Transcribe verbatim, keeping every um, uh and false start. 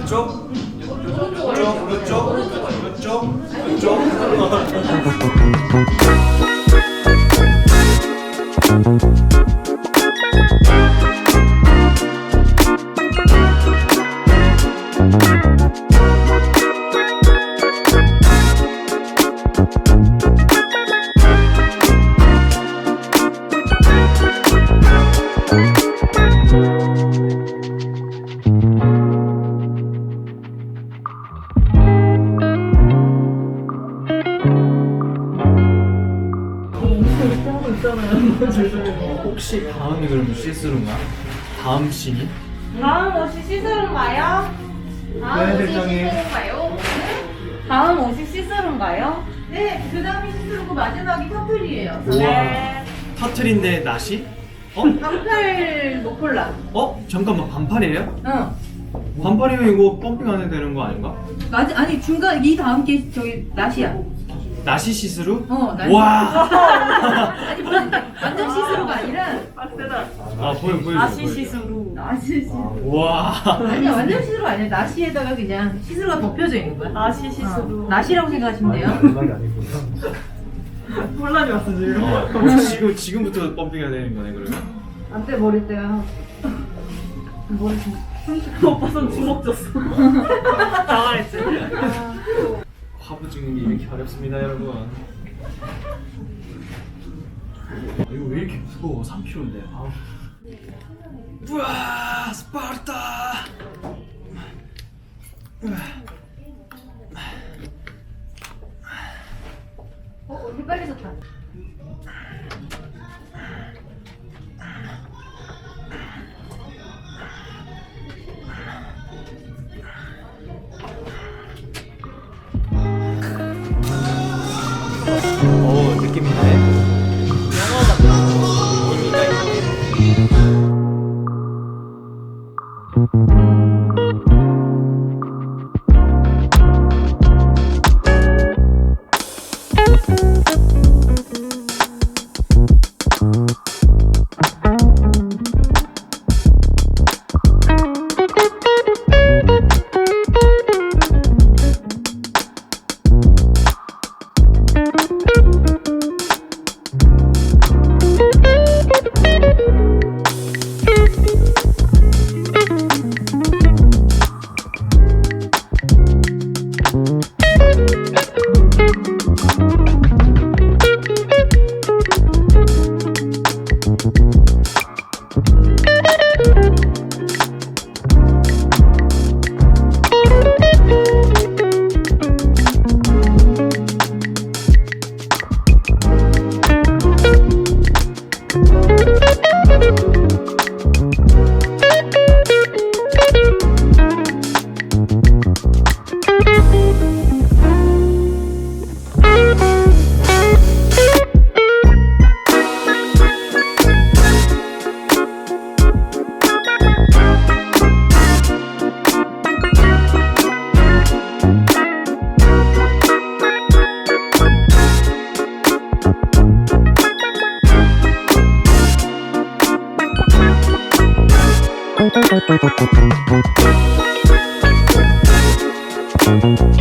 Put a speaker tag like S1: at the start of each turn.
S1: 왼쪽, 오른쪽, 오른쪽, 오른쪽, 왼쪽. 혹시 다음이 그러면 시스루인가? 다음 씬이?
S2: 다음 옷이 시스루인가요? 다음 옷이 시스루인가요? 다음 옷이 시스루인가요?
S3: 네, 그 다음이 시스루고 마지막이 퍼플이에요.
S2: 네.
S1: 터틀인데 나시? 어?
S3: 반팔 노폴라.
S1: 어? 잠깐만 반팔이에요?
S3: 응.
S1: 반팔이면 이거 펌핑 안 해도 되는 거 아닌가?
S3: 아니, 아니 중간 이 다음 게 저기 나시야.
S1: 나시 시스루?
S3: 어, 나시.
S1: 와.
S3: 아니 무슨 완전 시스루가 아니라
S1: 아 보여 보여.
S2: 나시 시스루.
S3: 나시 시스루.
S1: 와.
S3: 아니야 완전 시스루가 아니라 나시에다가 그냥 시스루가 덮여져 있는 거야.
S2: 나시 시스루.
S3: 어, 나시라고 생각하시면 돼요.
S2: 혼란이 왔어 지금.
S1: 어, 지금 지금부터 펌핑해야 되는 거네 그러면?
S3: 안돼 머리 때야. 머리 좀.
S2: 오빠 손 주먹 줬어. 당황했지.
S1: 화보 찍는 게 이렇게 어렵습니다 여러분. 아, 이거 왜 이렇게 무거워? 삼 킬로그램인데. 아우. 우와 스파르타.
S3: 어, 얼굴 빨개졌다.
S1: 오 느낌 있네.
S4: Thank you.